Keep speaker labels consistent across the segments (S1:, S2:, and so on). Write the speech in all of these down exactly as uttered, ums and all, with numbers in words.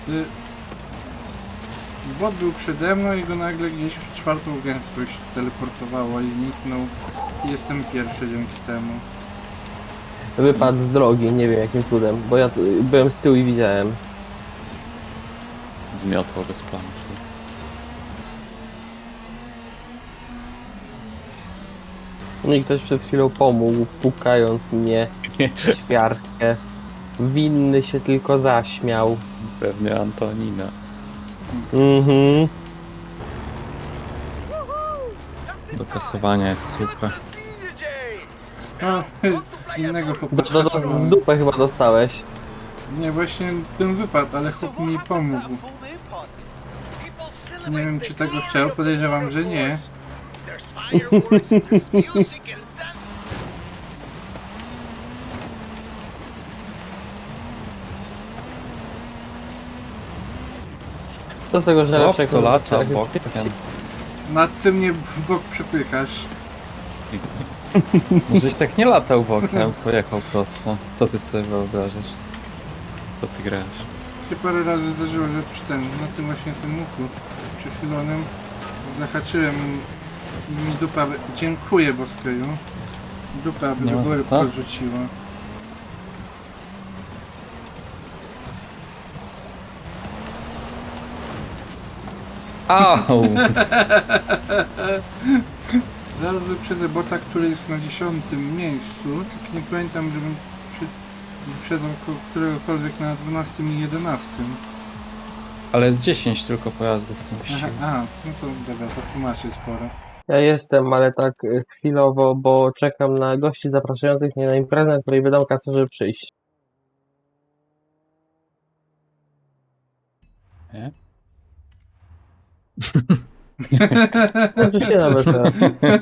S1: Y, Bot był przede mną i go nagle gdzieś w czwartą gęstość teleportowało i zniknął. I jestem pierwszy dzięki temu.
S2: Wypadł z drogi, nie wiem jakim cudem, bo ja tu- byłem z tyłu i widziałem.
S3: Zmiotło bez planu.
S2: No i ktoś przed chwilą pomógł, pukając mnie w ćwiartkę. Winny się tylko zaśmiał.
S3: Pewnie Antonina.
S2: Mhm.
S3: Do kasowania jest super.
S1: O, innego
S2: Do,
S1: chłopaka.
S2: do, do, w dupę chyba dostałeś.
S1: Nie, właśnie ten wypadł, ale chłop mi pomógł. Nie wiem, czy tego chciał, podejrzewam, że nie.
S2: Co z tego, że
S3: O,
S2: lepsze
S3: co lata
S2: jak-
S3: bokiem.
S1: Nad tym mnie w bok przepychasz.
S3: Żeś tak nie latał bokiem, tylko jechał prosto. Co ty sobie wyobrażasz? Co ty grasz?
S1: Się parę razy zdarzyło, że przy ten, na tym właśnie tym łuku przechylonym zahaczyłem i mi dupa, wy- dziękuję Boskeju, dupa by
S3: Nie
S1: do
S3: ma
S1: góry
S3: co.
S1: podrzuciła.
S3: Au!
S1: Zaraz wyprzedzę bota, który jest na dziesiątym miejscu, tylko nie pamiętam, żebym przy, wyprzedzał ko- któregokolwiek na dwunastym i jedenastym.
S3: Ale jest dziesięć tylko pojazdów w tym
S1: Aha,
S3: wyścigu.
S1: aha, no to dobra, to tłumaczy sporo.
S2: Ja jestem, ale tak y, chwilowo, bo czekam na gości zapraszających mnie na imprezę, na której wydam kasę, żeby przyjść.
S3: Nie?
S2: Może się nawet teraz.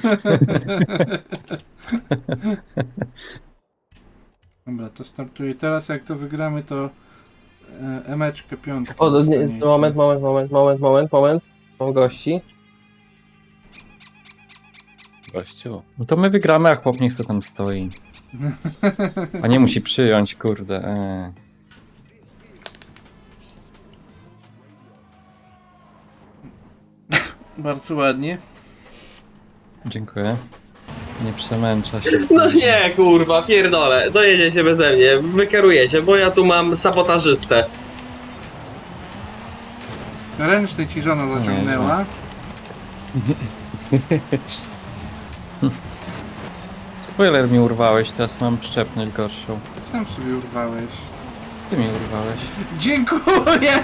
S1: Dobra, to startuję teraz, jak to wygramy, to e, emeczkę piątkę
S2: O, nie,
S1: dostaniecie.
S2: moment, moment, moment, moment, moment, moment. Mam gości.
S3: Gościu. No to my wygramy, a chłop niech se tam stoi. A nie musi przyjąć, kurde. Eee.
S1: Bardzo ładnie.
S3: Dziękuję. Nie przemęcza się.
S4: No nie, kurwa, pierdolę, dojedziecie beze mnie, wy kierujecie, bo ja tu mam sabotażystę.
S1: Ręczny ci żona zaciągnęła.
S3: Spoiler mi urwałeś, teraz mam szczepność gorszą.
S1: Sam sobie urwałeś.
S3: Ty mi urwałeś.
S1: Dziękuję!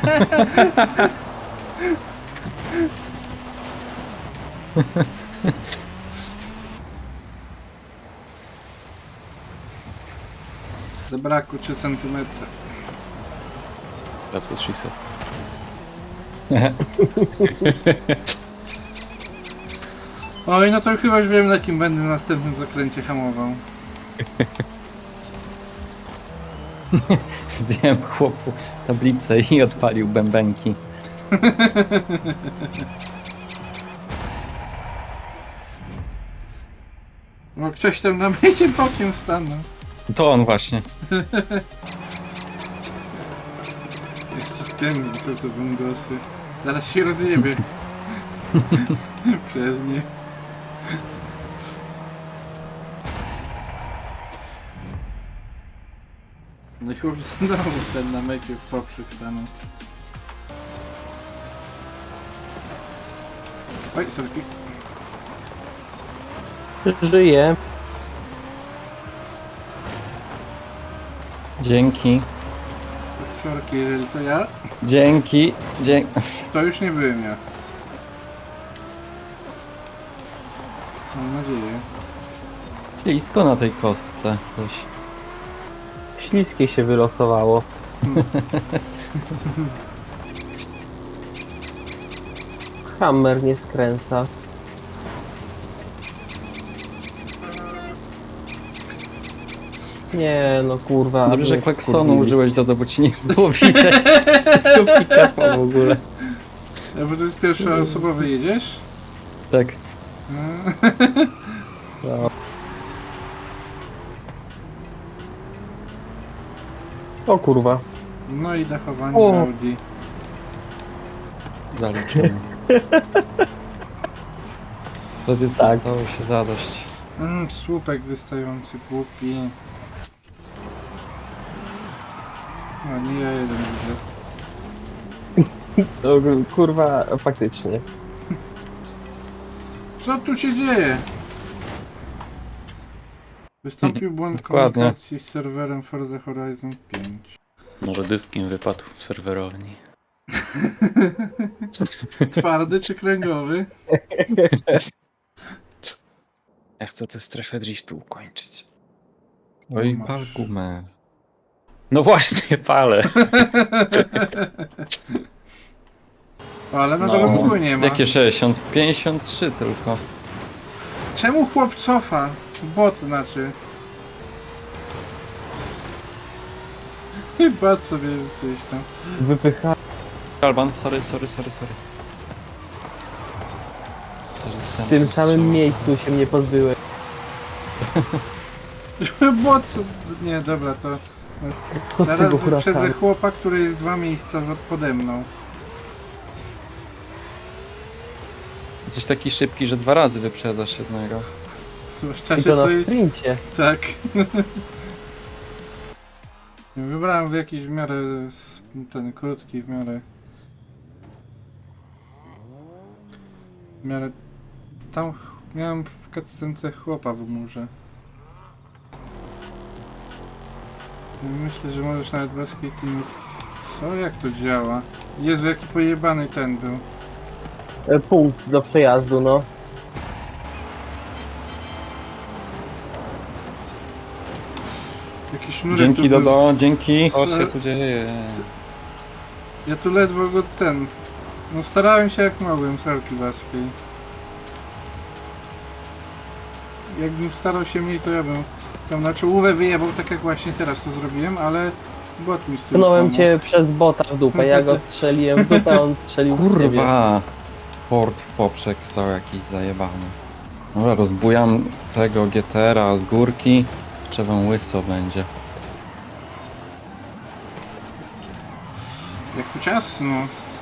S1: Zabrakło trzy centymetry.
S3: That's what she said.
S1: Oj, no to chyba już wiem, na kim będę w następnym zakręcie hamował.
S3: Zjem chłopu tablicę i odpalił bębenki.
S1: Bo ktoś tam na mecie bokiem stanął.
S3: To on właśnie.
S1: Jest w tym, co to wągosy. Zaraz się rozjebie. Przez nie. No i chłop znowu ten na mecie w poprzek stanął. Oj, sorki.
S2: Żyję.
S3: Dzięki.
S1: Sorki, jeżeli to ja,
S3: Dzięki. Dzięki.
S1: to już nie byłem ja. Mam nadzieję.
S3: Ślisko na tej kostce coś.
S2: Śliskie się wylosowało. Hammer nie skręca. Nie no kurwa.
S3: Dobrze, że
S2: mnie
S3: klaksonu
S2: wkurwili.
S3: użyłeś, Dodo, bo ci nie było widać z tego pick-upa w ogóle.
S1: A bo to jest pierwszoosobowy jedziesz?
S3: Tak.
S2: No. O kurwa.
S1: No i dachowanie
S2: O.
S1: Audi.
S3: Zaliczymy. Wtedy co
S2: Tak.
S3: stało się zadość.
S1: Mm, słupek wystający, głupi. No nie ja jeden widzę.
S2: No, kurwa, faktycznie.
S1: Co tu się dzieje? Wystąpił błąd
S3: Dokładnie.
S1: komunikacji z serwerem Forza Horizon pięć.
S5: Może dysk im wypadł w serwerowni.
S1: Twardy czy kręgowy?
S5: Ja chcę tę strefę driftu ukończyć.
S3: Oj,
S1: masz.
S3: pal gumę.
S5: No właśnie, palę.
S1: Ale na
S5: No.
S1: dole w ogóle nie ma.
S3: Jakie sześćdziesiąt? pięćdziesiąt trzy tylko.
S1: Czemu chłop cofa? Bot znaczy. Chyba sobie gdzieś tam.
S2: Wypycha.
S3: Alban, sorry, sorry, sorry, sorry. Też jestem
S2: W tym
S3: powstrzymał.
S2: samym miejscu się mnie pozbyłeś.
S1: Bot... Nie, dobra, to... Zaraz
S2: Tego
S1: wyprzedzę
S2: hurafanu.
S1: chłopa, który jest dwa miejsca za- pode mną.
S3: Jesteś taki szybki, że dwa razy wyprzedzasz jednego.
S1: Zwłaszcza
S2: I
S1: się
S2: to
S1: to
S2: na
S1: jest...
S2: sprincie.
S1: Tak. Wybrałem w jakiś w miarę... ten krótki w miarę... W miarę... Tam ch- miałem w cutscence chłopa w murze. Myślę, że możesz nawet bez tymi... Co? Jak to działa? Jezu, jaki pojebany ten był.
S2: E, Punkt do przejazdu, no.
S1: Jaki sznurek
S3: Dzięki
S1: tu był.
S3: Dodo, dzięki.
S5: Co się tu dzieje?
S1: Ja tu ledwo go ten... No starałem się jak mogłem, Sarki Waskiej. Jakbym starał się mniej, to ja bym tam na czołówę wyjebał, tak jak właśnie teraz to zrobiłem, ale bot mi z tym
S2: Pchnąłem
S1: pomógł.
S2: cię przez bota w dupę. Ja go strzeliłem w dupę, a on strzelił w ciebie.
S3: Kurwa! Port w poprzek stał jakiś zajebany. Dobra, rozbujam tego G T R-a z górki. Trzeba łyso będzie.
S1: Jak tu ciasno.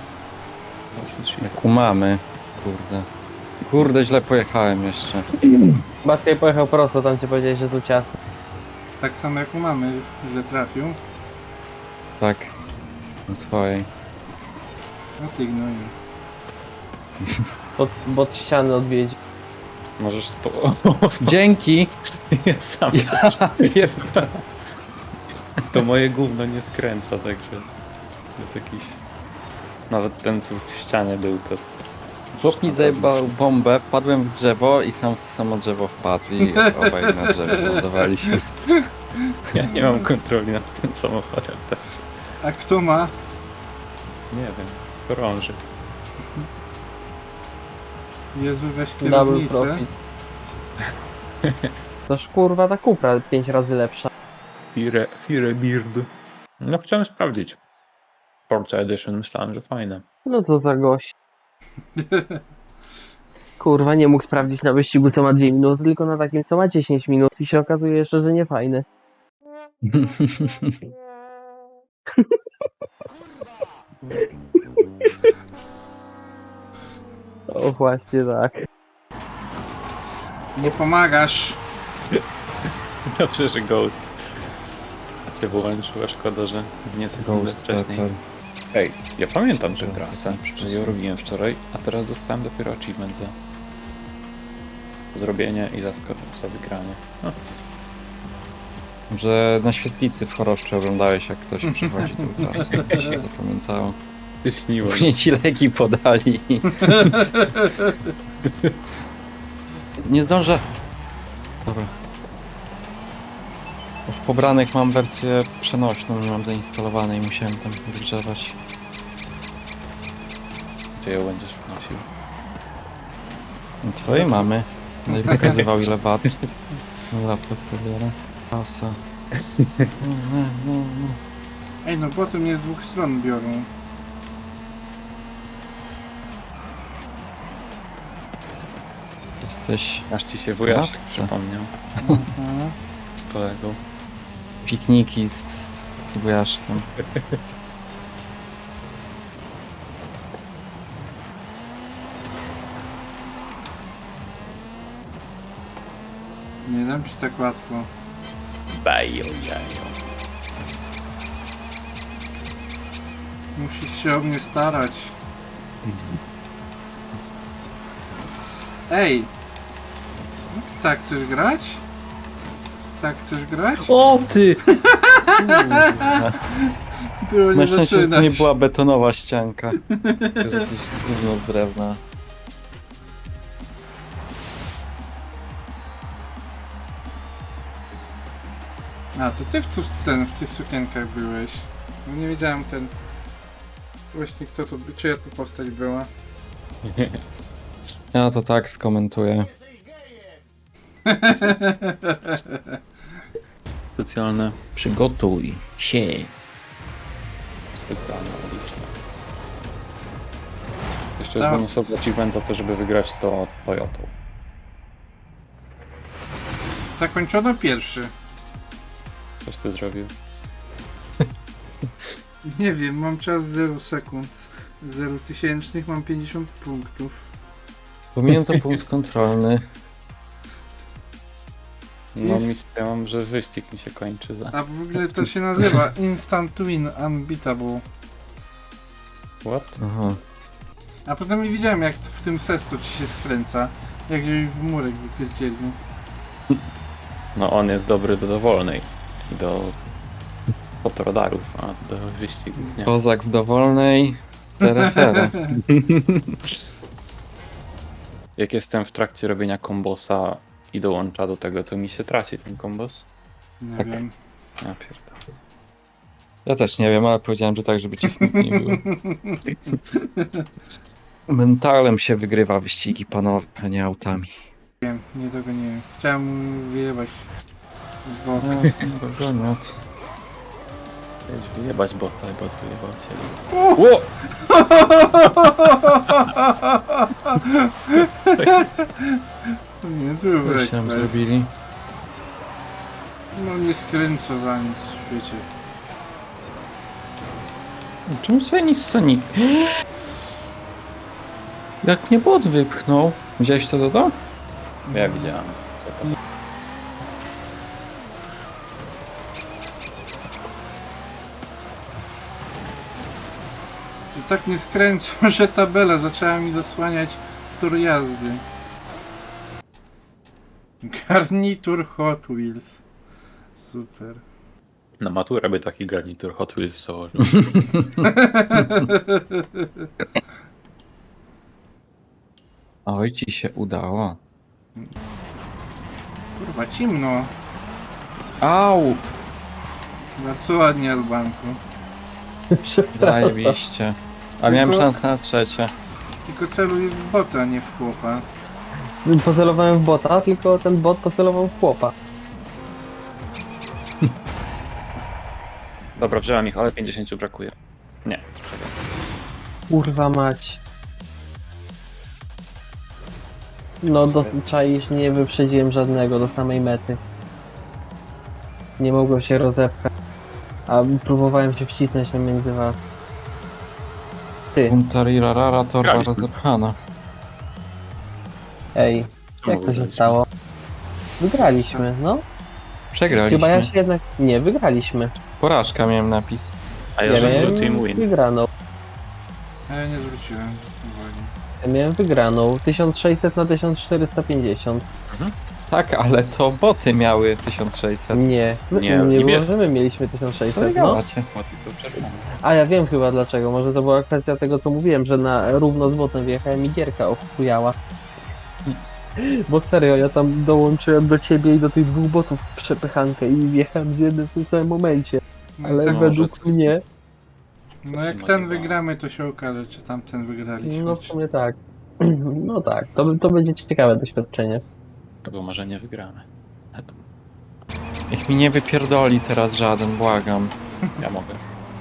S3: Jak umamy. Kurde. Kurde, źle pojechałem jeszcze.
S2: Matka pojechał prosto, tam cię powiedziałeś, że tu ciasno.
S1: Tak samo jak u mamy, że trafił.
S3: Tak. U twojej.
S1: No ty gnoju.
S2: Pod, bot ściany odwiedzi.
S5: Możesz spo...
S3: Dzięki!
S5: Ja sam.
S3: Ja pierdolę.
S5: To moje gówno nie skręca, także... To jest jakiś... Nawet ten, co w ścianie był, to...
S3: Chłop mi zajebał bombę, wpadłem w drzewo i sam w to samo drzewo wpadł i obaj na drzewie lądowaliśmy.
S5: Ja nie mam kontroli nad tym samochodem, tak.
S1: A kto ma?
S5: Nie wiem. Chorąży.
S1: Jezu, weź
S2: Double
S1: kierownicę.
S2: profit. Toż kurwa ta Cupra pięć razy lepsza.
S5: Fire, Fire Beard. No chciałem sprawdzić. Forza Edition, myślałem, że fajne.
S2: No co za gość. Kurwa, nie mógł sprawdzić na wyścigu co ma dwie minuty, tylko na takim co ma dziesięć minut i się okazuje jeszcze, że nie fajny. O właśnie tak.
S1: Nie pomagasz.
S5: Dobrze, że Ghost. A cię włączyła, szkoda, że nie sekundę
S3: Ghost
S5: wcześniej.
S3: Pepper.
S5: Ej, ja pamiętam tę
S3: To
S5: trasę,
S3: jest
S5: że ją robiłem wczoraj, a teraz dostałem dopiero achievement za zrobienie i za, sko- za wygranie. No,
S3: Że na świetlicy w Choroszczy oglądałeś, jak ktoś przychodzi tą trasę. Mi się zapamiętało.
S5: ty śniło.
S3: Później ci leki podali. Nie zdążę. Dobra. W pobranych mam wersję przenośną, nie mam zainstalowanej, musiałem tam wygrzewać.
S5: Gdzie ją będziesz wnosił?
S3: Twojej mamy. No i pokazywał ile wat. No, laptop pobiera. Pasa. No, no, no, no.
S1: Ej, no potem mnie z dwóch stron biorą.
S3: Jesteś
S5: Aż ci się wujaszek
S3: Matce.
S5: przypomniał
S1: Mhm.
S5: z kolegą.
S3: pikniki z, z wujaszkiem.
S1: dam ci tak łatwo.
S5: Bajo, jajo.
S1: Musisz się o mnie starać. Ej! Tak chcesz grać? Tak chcesz grać?
S3: O ty!
S1: Było
S3: Na
S1: nie
S3: szczęście, że to
S1: zaczynać.
S3: nie była betonowa ścianka. Tylko jakieś gówno z drewna.
S1: A, to ty w, cu- ten, w tych sukienkach byłeś. No nie wiedziałem ten... Właśnie kto to... Czyja to postać była?
S3: Ja to tak skomentuję.
S5: Specjalne.
S3: Przygotuj się.
S5: Specjalne uliczne. Jeszcze
S1: Tak.
S5: jest bonusowy achievement za to, żeby wygrać to Toyotą.
S1: Zakończono pierwszy.
S5: Coś ty zrobił?
S1: Nie wiem, mam czas zero sekund. zero tysięcznych, mam pięćdziesiąt punktów.
S3: Pomijam to punkt kontrolny.
S5: No
S1: Jest-
S5: misja, ja mam, że wyścig mi się kończy za...
S1: A w ogóle to się nazywa Instant Win Unbeatable.
S5: What?
S3: Aha.
S1: A potem nie widziałem jak w tym sestu ci się skręca. Jak gdzieś w murek wypierdzielił.
S5: No on jest dobry do dowolnej. I do fotoradarów, a do wyścigów nie.
S3: Kozak w dowolnej. Terefere.
S5: Jak jestem w trakcie robienia kombosa i dołącza do tego, to mi się traci ten kombos?
S1: Nie
S3: Tak.
S1: wiem.
S5: Ja pierdolę.
S3: Ja też nie wiem, ale powiedziałem, że tak, żeby ci smutno nie było. Mentalem się wygrywa wyścigi, panowie, a nie autami.
S1: Wiem, nie tego nie wiem. Chciałem mu wyjebać w bok.
S3: Dogoniot.
S5: Chciałeś wyjebać bota, i bot wyjebał cię. Ło!
S1: Nie, tu
S3: Co się nam zrobili?
S1: No nie skręcę za nic w świecie.
S3: Czemu sobie nic Sonic? Jak mnie bot wypchnął? Widziałeś to, to, to?
S5: Ja widziałem.
S1: Że tak nie skręcą, że tabela zaczęła mi zasłaniać tor jazdy. Garnitur Hot Wheels. Super.
S5: Na maturę by taki garnitur Hot Wheels założył.
S3: Oj, ci się udało.
S1: Kurwa, cimno.
S3: Au!
S1: Bardzo ładnie, Albanku.
S3: Zajebiście. A miałem
S1: Tylko-
S3: szansę na trzecie.
S1: Tylko celuj w bota, nie w chłopa.
S2: Pocelowałem w bota, tylko ten bot pocelował w chłopa.
S5: Dobra, wziąłem ich, ale pięćdziesiąt brakuje. Nie, trochę więcej.
S2: Kurwa mać. No dosyć czaisz, nie wyprzedziłem żadnego do samej mety. Nie mogłem się rozepchać. A próbowałem się wcisnąć na między was. Ty,
S3: Puntarirarara, torba
S5: Graliśmy.
S3: rozepchana.
S2: ej,
S5: Czemu
S2: jak to się
S5: wygraliśmy?
S2: stało? Wygraliśmy, no.
S3: Przegraliśmy.
S2: Chyba ja się jednak... Nie, wygraliśmy.
S3: Porażka miałem napis.
S5: A ja
S2: Ja
S5: żebym
S2: miałem
S5: był team win.
S2: wygraną.
S1: A ja nie zwróciłem uwagi.
S2: Ja miałem wygraną. tysiąc sześćset na tysiąc czterysta pięćdziesiąt.
S3: Tak, ale to boty miały tysiąc sześćset.
S2: Nie, my,
S5: Nie,
S2: nie, nie
S5: niebiescy.
S2: może my mieliśmy tysiąc
S3: Co
S2: sześćset,
S3: wy
S2: no.
S3: gadacie?
S5: Ładnie to czerwone.
S2: A ja wiem chyba dlaczego, może to była kwestia tego co mówiłem, że na równo z botem wjechałem i gierka ochujała. Bo serio, ja tam dołączyłem do ciebie i do tych dwóch botów w przepychankę i wjechałem w jednym w tym samym momencie.
S1: No,
S2: Ale
S1: tak,
S5: no,
S2: według
S5: że-
S2: mnie,
S1: no jak ten wygramy, to się okaże, czy tamten wygraliśmy.
S2: no w sumie tak. No tak, to, to będzie ciekawe doświadczenie.
S5: Albo może nie wygramy.
S3: Niech mi nie wypierdoli teraz żaden, błagam.
S5: Ja mogę.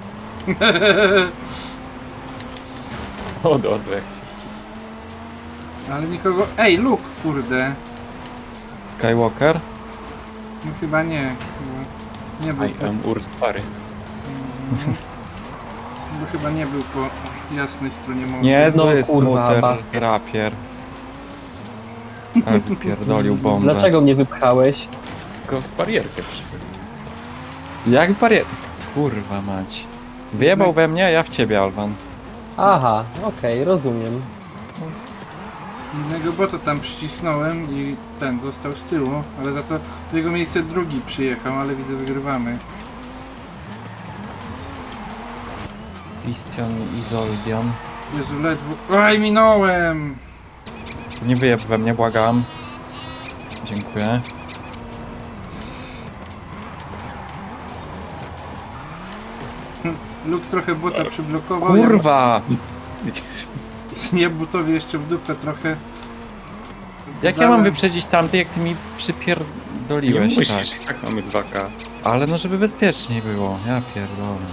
S5: O, do, do, jak się.
S1: Ale nikogo... Ej, Luke, kurde.
S3: Skywalker?
S1: No chyba nie. Chyba nie był
S5: I
S1: po...
S5: am Urs Pary.
S1: Mhm. Bo chyba nie był po jasnej stronie mocy.
S3: Niezły
S2: No, kurwa,
S3: smuter
S2: basket.
S3: rapier. Ale wypierdolił bombę.
S2: Dlaczego mnie wypchałeś?
S5: Tylko w barierkę przyszedł.
S3: Jak barier... Kurwa mać. Wyjebał we mnie, a ja w ciebie, Alwan.
S2: Aha, okej, rozumiem.
S1: Innego bota tam przycisnąłem i ten został z tyłu, ale za to w jego miejsce drugi przyjechał, ale widzę wygrywamy.
S3: Christian i Zoldion.
S1: Jezu, ledwo... Aj, minąłem!
S3: Nie wyjeb we mnie, błagam. Dziękuję.
S1: Luke trochę bota przyblokował.
S3: Kurwa!
S1: Ja, ja botowi jeszcze w dupę trochę.
S3: Jak ja
S1: dałem.
S3: mam wyprzedzić tamty, jak ty mi
S5: Nie
S3: przypierdoliłeś, tak?
S5: musisz, tak mamy dwa K.
S3: Ale no, żeby bezpieczniej było. Ja pierdolę.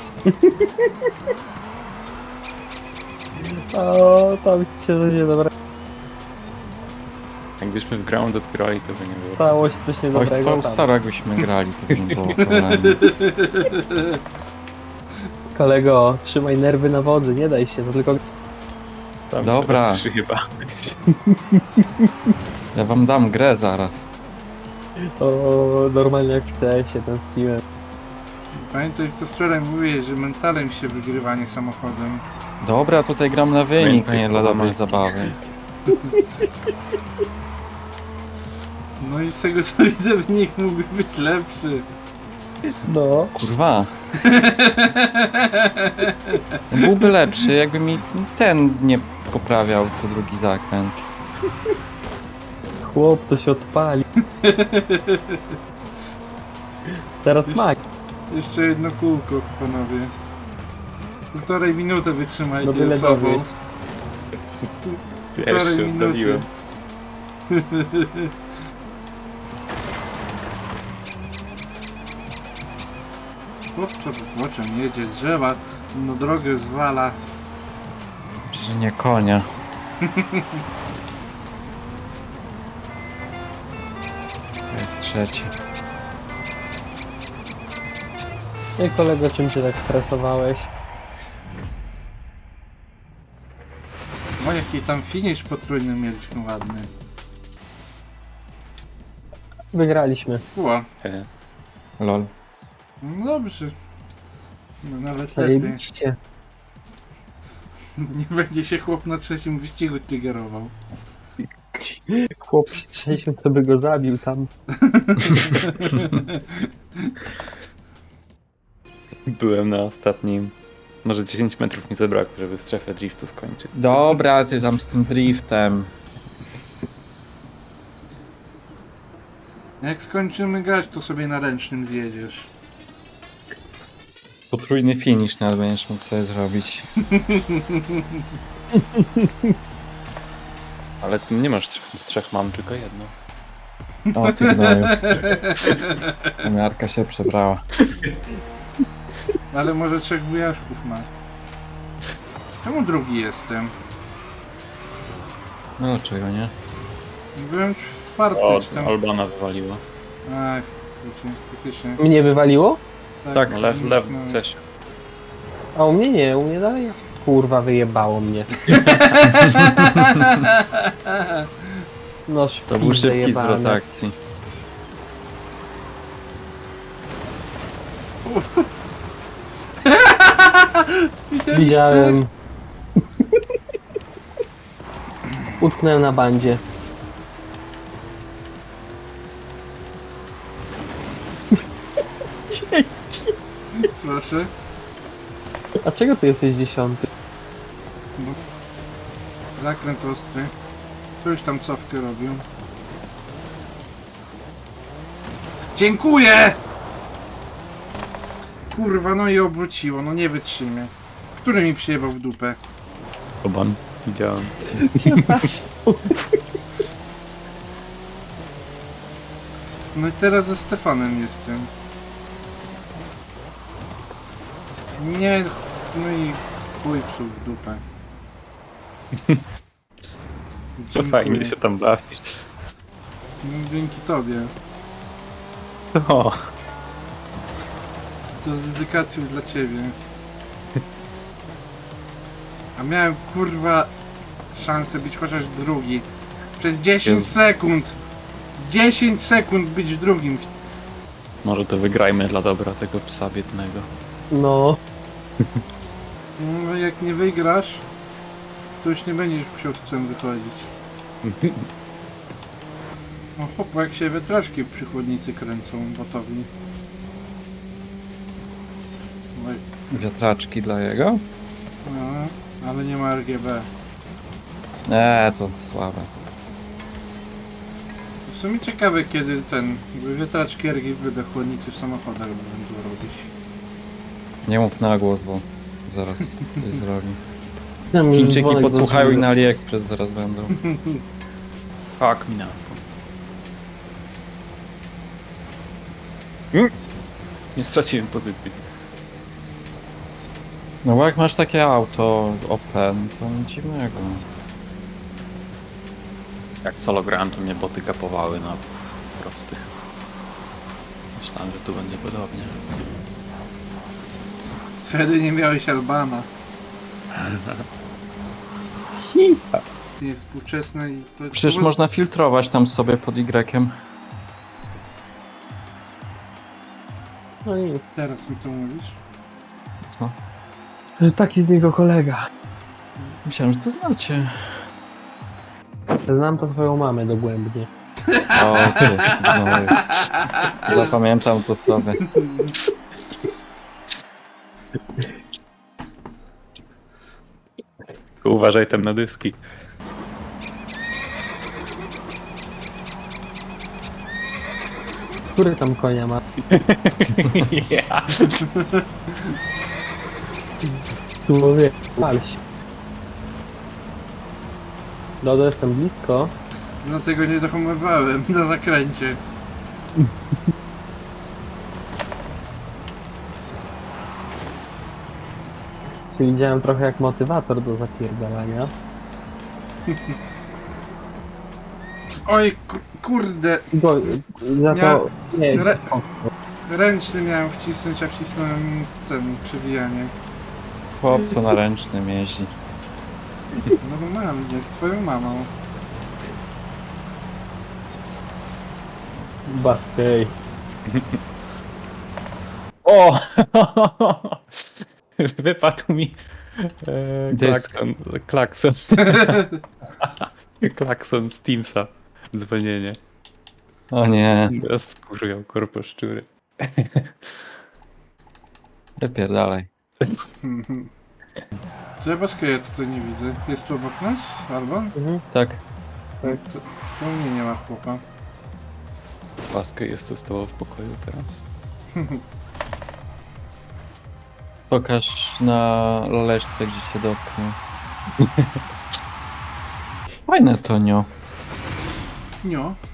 S2: O, tam się coś niedobrego
S5: Jakbyśmy w ground odgrali, to by nie było.
S2: stało się, coś
S3: Oj, w
S2: niedobrego
S3: twoją
S2: tam.
S3: starą jakbyśmy grali, to by nie było problemu.
S2: Kolego, trzymaj nerwy na wodzy, nie daj się, to tylko...
S5: Tam
S3: Dobra.
S5: teraz trzy chyba.
S3: Ja wam dam grę zaraz.
S2: O, normalnie jak chcę się tęskniłem.
S1: Pamiętaj, co wczoraj mówiłeś, że mentalem się wygrywa, nie samochodem.
S3: Dobra, tutaj gram na wynik, a nie dla dobrej
S5: Pamiętaj,
S3: zabawy.
S1: No i z tego co widzę, wynik mógłby być lepszy.
S2: No,
S3: Kurwa. No, byłby lepszy, jakby mi ten nie poprawiał co drugi zakręt.
S2: chłop to się odpali. Teraz Mac.
S1: Jeszcze jedno kółko, panowie. Półtorej minuty wytrzymajcie
S2: No byle
S1: ze sobą.
S2: dowieść.
S1: Półtorej
S5: Pierwszy
S1: minuty.
S5: oddaliłem.
S1: Chłopco płoczem jedzie, drzewa, no drogę zwala.
S3: Że nie konia. To jest trzeci.
S2: Ej kolego, czym się tak stresowałeś?
S1: O, jaki tam finish potrójny mieliśmy ładny.
S2: Wygraliśmy.
S1: Ło,
S5: He.
S3: Lol.
S1: no dobrze. No nawet lepiej.
S2: Zajebiście.
S1: Nie będzie się chłop na trzecim wyścigu triggerował.
S2: Chłop przy trzecim to by go zabił tam.
S5: Byłem na ostatnim. Może dziesięć metrów mi zabrakło, żeby strefę driftu skończyć.
S3: Dobra, ty tam z tym driftem.
S1: Jak skończymy grać, to sobie na ręcznym zjedziesz.
S3: Potrójny finish nawet będziesz mógł sobie zrobić.
S5: Ale ty nie masz trzech, trzech mam, tylko jedno.
S3: O, ty gnoju. Miarka się przebrała.
S1: Ale może trzech wujaszków ma. Czemu drugi jestem?
S3: No dlaczego nie?
S1: Byłem czwarty
S5: O,
S1: czy tam.
S5: Albana wywaliła.
S1: Ach, wiecie, faktycznie.
S2: Mnie wywaliło?
S3: Tak,
S5: No lew, lew,
S1: no.
S5: coś.
S2: A u mnie nie, u mnie dalej. Kurwa, wyjebało mnie. No
S3: To był
S2: szpil
S3: szybki
S2: zajebany.
S3: zwrot akcji.
S2: Widziałem. Utknąłem na bandzie.
S1: Proszę.
S2: A czego ty jesteś dziesiąty?
S1: Zakręt ostry. Ktoś tam cofkę robił. Dziękuję! Kurwa, no i obróciło, no nie wytrzymie. Który mi przyjebał w dupę?
S5: Alban. Widziałem.
S1: No i teraz ze Stefanem jestem. Nie, no i chuj psuł w dupę.
S5: To
S1: Dziękuję.
S5: fajnie się tam bawisz.
S1: No, dzięki tobie.
S5: O,
S1: To z dedykacją dla ciebie. A miałem kurwa szansę być chociaż drugi. Przez dziesięć
S3: Jezu.
S1: sekund! dziesięć sekund być w drugim.
S5: Może to wygrajmy dla dobra tego psa biednego.
S2: No,
S1: No jak nie wygrasz, to już nie będziesz musiał z psem wychodzić. No chłop, jak się wiatraczki przy chłodnicy kręcą gotowi. No, i-
S3: Wiatraczki dla jego?
S1: no, ale nie ma R G B.
S3: Nie, to słabe. To.
S1: W sumie ciekawe kiedy ten wiatraczki R G B do chłodnicy w samochodach będą robić.
S3: Nie mów na głos, bo zaraz coś zrobi.
S2: tam już
S3: Chińczyki
S2: dzwonek
S3: podsłuchają i
S2: zostawił.
S3: na AliExpress zaraz będą.
S5: Tak, minęło. Mm. Nie straciłem pozycji.
S3: No bo jak masz takie auto Open, to nic dziwnego.
S5: Jak solo grałem, to mnie boty kapowały na prostych. Myślałem, że tu będzie podobnie.
S1: Wtedy nie miałeś Albana. Jest współczesne i to...
S3: Przecież
S1: to-
S3: można filtrować tam sobie pod Y.
S2: No i
S1: Teraz mi to mówisz?
S3: Co?
S2: taki z niego kolega.
S3: Myślałem, że to znacie.
S2: Znam to twoją mamę dogłębnie.
S3: O, ty, no, zapamiętam to sobie.
S5: Tylko uważaj tam na dyski.
S2: Który tam konia ma? Tu mówię, pal się. Dodo, jestem blisko.
S1: Dlatego nie dohamowałem na zakręcie.
S2: Czyli działam trochę jak motywator do zapierdalania.
S1: Oj, ku- kurde,
S2: Bo za to... Nie,
S1: Re- ręczny miałem wcisnąć, a wcisnąłem ten przewijanie.
S3: Chłopco na ręcznym jeździ.
S1: No bo mam, jak twoją mamą.
S2: Baskej.
S5: O! Wypadł mi e,
S3: Dysk.
S5: klakson. Klakson. klakson z Teamsa. Dzwonienie.
S3: O nie,
S5: Skurwiał korposzczury.
S3: wypierdalaj.
S1: To ja Baska ja tutaj nie widzę. Jest tu obok nas? Albo?
S2: Mhm.
S3: Tak,
S1: To, to mnie nie ma chłopa.
S5: Paskę jest tu z tobą w pokoju teraz.
S3: pokaż na laleczce, gdzie cię dotknął. Fajne to nio.
S1: Nio.